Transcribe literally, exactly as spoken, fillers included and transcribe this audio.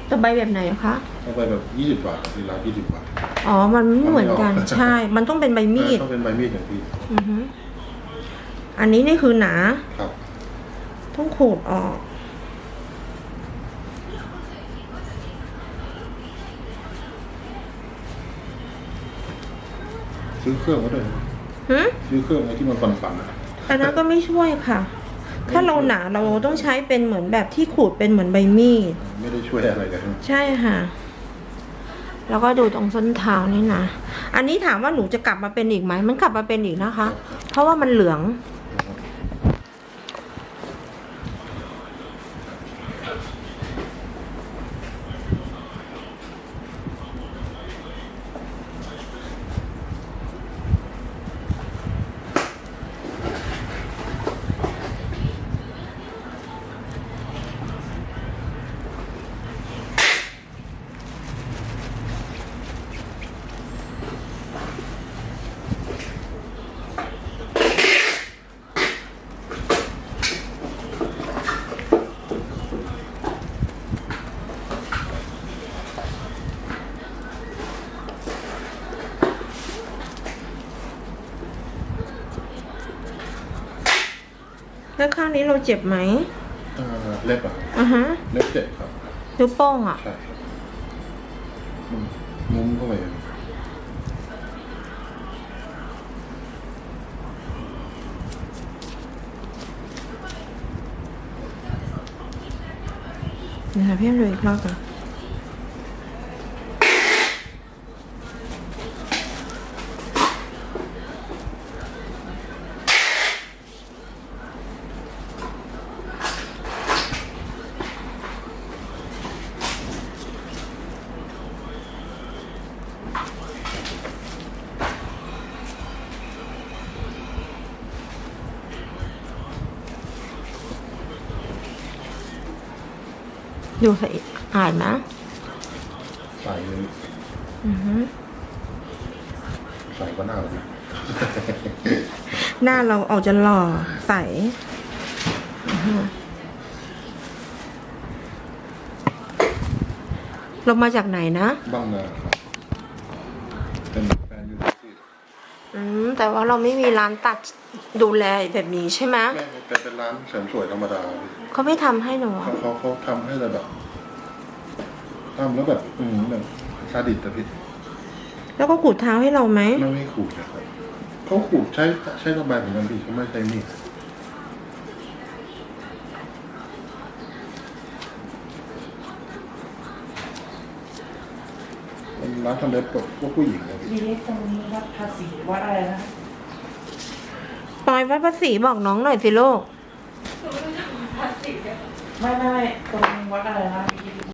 ตะไบแบบไหนคะตะไบแบบยี่สิบบาทที่ร้านยี่สิบบาทอ๋อมันไม่เหมือนกันใช่มันต้องเป็นใบมีดต้องเป็นใบมีดอย่างพี่อือฮึอันนี้นี่คือหนาครับต้องขูดออกซื้อเครื่องมาด้วยฮึซื้อเครื่องไอ้ที่มันปั่นๆนะอันนั้นก็ไม่ช่วยค่ะถ้าเราหนาเราต้องใช้เป็นเหมือนแบบที่ขูดเป็นเหมือนใบมีดไม่ได้ช่วยอะไรเลยใช่ค่ะแล้วก็ดูตรงส้นเท้านี่นะอันนี้ถามว่าหนูจะกลับมาเป็นอีกไหมมันกลับมาเป็นอีกนะคะเพราะว่ามันเหลืองแล้วข้างนี้เราเจ็บไหมเล็บอ่ะอ่ะฮะเล็บเจ็บครับนิ้วโป้งอ่ะใช่ครับงุ้มเข้าไปเดี๋ยวพี่ดูอีกรอบก่อนดูสะอาดนะใส่เลยอือฮึใส่ก็หน้าเลยหน้าเราออกจะหล่อใสเรามาจากไหนนะบ้างนาครับเป็นแฟนยูทูบอืมแต่ว่าเราไม่มีร้านตัดดูแลแบบนี้ใช่ไหมแม่เป็นเป็นร้านเสริมสวยธรรมดาเขาไม่ทำให้หนูเขาเขาเขาทำให้เราแบบทำแล้วแบบอืมแบบซาดิสแต่ผิดแล้วก็ขูดเท้าให้เราไหมไม่ไม่ขูดนะครับเขาขูดใช้ใช้ระบายเหมือนกันพี่เขาไม่ใช้มีดเป็นร้านทำเล็บพวกผู้หญิงนะพี่ดีตรงนี้วัดภาษีวัดอะไรนะปอยวัดภาษีบอกน้องหน่อยสิลูกไม่ไม่ตรงวัดอะไรนะ